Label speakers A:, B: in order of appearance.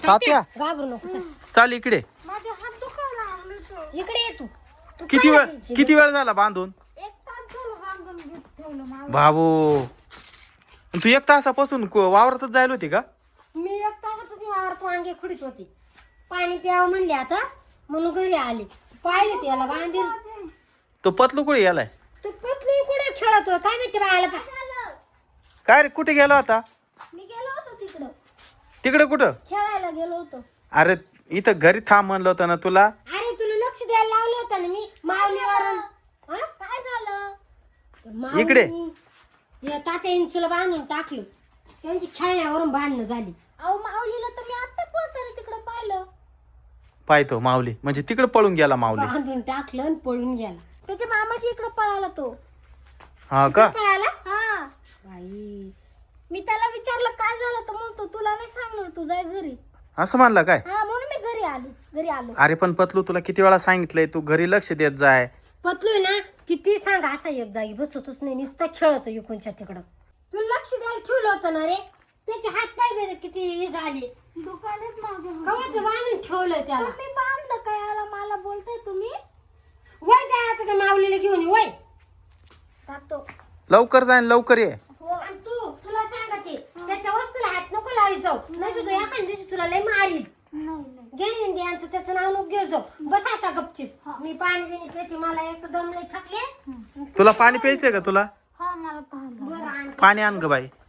A: तात्या
B: घाबरू नको चल.
A: चाल इकडे.
C: माझे हात दुखायला लागले तर.
B: इकडे ये तू. तू
A: किती
B: काय
A: वेळ
B: करायची?
A: किती वेळ झाला बांधून?
C: एक तास झालं बांधून घेत ठेवलं मला.
A: बाबू तू एक तासापासून वावरातच जायला होती का?
B: मी एक तासापासून वावरात वांगे खुडीत होते. पाणी प्यावं म्हणले आता म्हणून घरी आले. पाहिले त्याला बांधील.
A: तो पतलू कुठे गेलाय?
B: तू पतलू कुठे खेळतोय काय माहिती बाळाला.
A: काय रे कुठे गेला होता?
C: मी गेलो होतो तिकडं
A: तिकडे कुठं?
C: खेळायला गेलो होतो.
A: अरे इथं घरी थांब म्हणलं होतं ना तुला.
B: अरे तुला लक्ष द्यायला लावलं होतं ना मी माऊलीवरून. हा?
C: काय झालं?
B: माऊली-
A: इकडे.
B: या तात्याने तुला बांधून टाकलं. त्यांची खेळण्यावरून भांडणं झाली.
C: अहो माऊलीला तर मी आता पळताना तिकडं पाहिलं.
A: पाहतो माऊली म्हणजे तिकडे पळून गेला माऊली.
B: बांधून टाकलं आणि पळून गेला.
C: त्याच्या मामाची इकडं पळाला तो.
A: हा का?
B: पळाला
C: हा
B: बाई.
C: मी त्याला विचारलं काय झालं तर म्हणतो तुला नाही सांगणार तू जाय घरी.
A: असं म्हणला काय?
C: हा म्हणून मी घरी आलो.
A: अरे पण पतलू तुला किती वेळा सांगितलंय तू घरी लक्ष देत जाय.
B: पतलू ना किती सांग असा एक जागी बसतोच नाही नुसता खेळतो इकडच्या तिकडं. तुला लक्ष द्यायला ठेवलं होतं ना रे. त्याचे हात पाय बरे किती हे झाले.
C: दुकानात माझ्या
B: कवाचं बांधून ठेवलं त्याला.
C: मी बांधलं काय आला मला बोलताय तुम्ही.
B: वय जाय आता त्या माऊलीला घेऊन ये, वय.
C: जातो.
A: लवकर जाय आणि लवकर ये.
B: हो आणि तुला सांगते त्याच्या वस्तूला हात नको लावी जाऊ नाही तुझं एखाद्या दिवशी तुला लय मारील.
C: नाही
B: गेली यांचं त्याचं नाव नको घेऊ जाऊ. बस आता गपचिप. मी पाणी बिणी पिते मला एक दमले थकले.
A: तुला पाणी प्यायचंय का तुला?
C: हा मला पाहिलं.
B: बरं आण.
A: पाणी आण ग बाई.